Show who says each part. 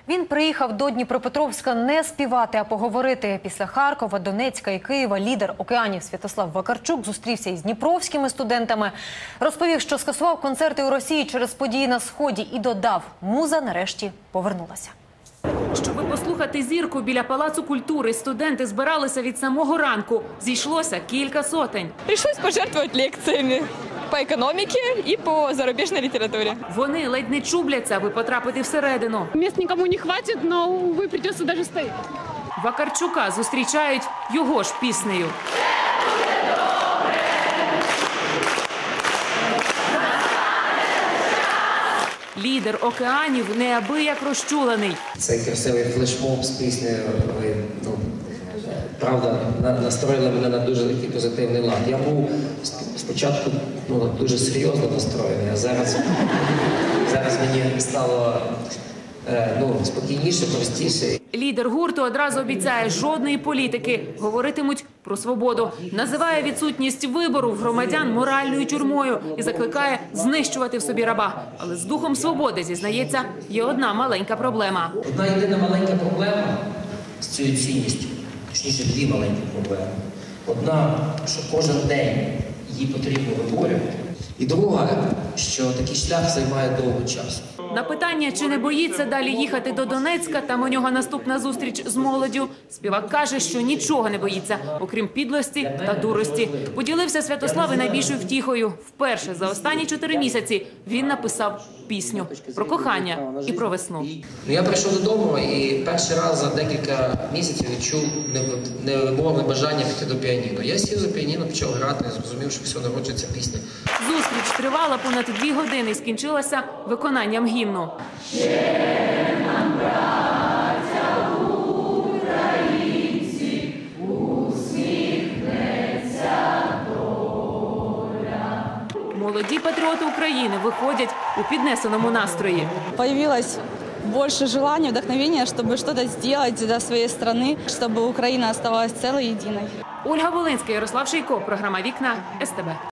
Speaker 1: Він приїхав до Дніпропетровська не співати, а поговорити. Після Харкова, Донецька і Києва лідер «Океанів» Святослав Вакарчук зустрівся із дніпровськими студентами. Розповів, що скасував концерти у Росії через події на Сході і додав – муза нарешті повернулася.
Speaker 2: Щоби послухати зірку біля Палацу культури, студенти збиралися від самого ранку. Зійшлося кілька сотень.
Speaker 3: Пришлось пожертвовать лекциями по економіці і по зарубіжній літературі.
Speaker 2: Вони ледь не чубляться, аби потрапити всередину.
Speaker 4: Мест никому не хватит, но, увы, придется даже стоять.
Speaker 2: Вакарчука зустрічають його ж піснею. Лідер «Океанів» неабияк розчулений.
Speaker 5: Цей красивий флешмоб з піснею, правда, настроїли мене на дуже такий позитивний лад. Я був спочатку дуже серйозно настроєний, а зараз мені стало спокійніше, простіше.
Speaker 2: Лідер гурту одразу обіцяє – жодної політики. Говоритимуть про свободу. Називає відсутність вибору в громадян моральною тюрмою і закликає знищувати в собі раба. Але з духом свободи, зізнається, є одна маленька проблема.
Speaker 5: Одна єдина маленька проблема з цією цінністю, точніше дві маленькі проблеми. Одна, що кожен день її потрібно виборювати. І друга, що такий шлях займає довго часу.
Speaker 2: На питання, чи не боїться далі їхати до Донецька, там у нього наступна зустріч з молоддю, співак каже, що нічого не боїться, окрім підлості та дурості. Поділився Святослав і найбільшою втіхою. Вперше за останні 4 місяці він написав пісню про кохання і про весну.
Speaker 5: Я прийшов додому і перший раз за декілька місяців відчув невимовне бажання піти до піаніно. Я сів за піаніно, почав грати, зрозумів, що все, народжується пісня.
Speaker 2: Зустріч тривала понад 2 години і скінчилася виконанням гімну. Молоді патріоти України виходять у піднесеному настрої.
Speaker 3: Появилось больше желания, вдохновения, чтобы что-то сделать для своей страны, чтобы Украина оставалась целой и единой.
Speaker 2: Ольга Волинська, Ярослав Шийко. Програма «Вікна» СТБ.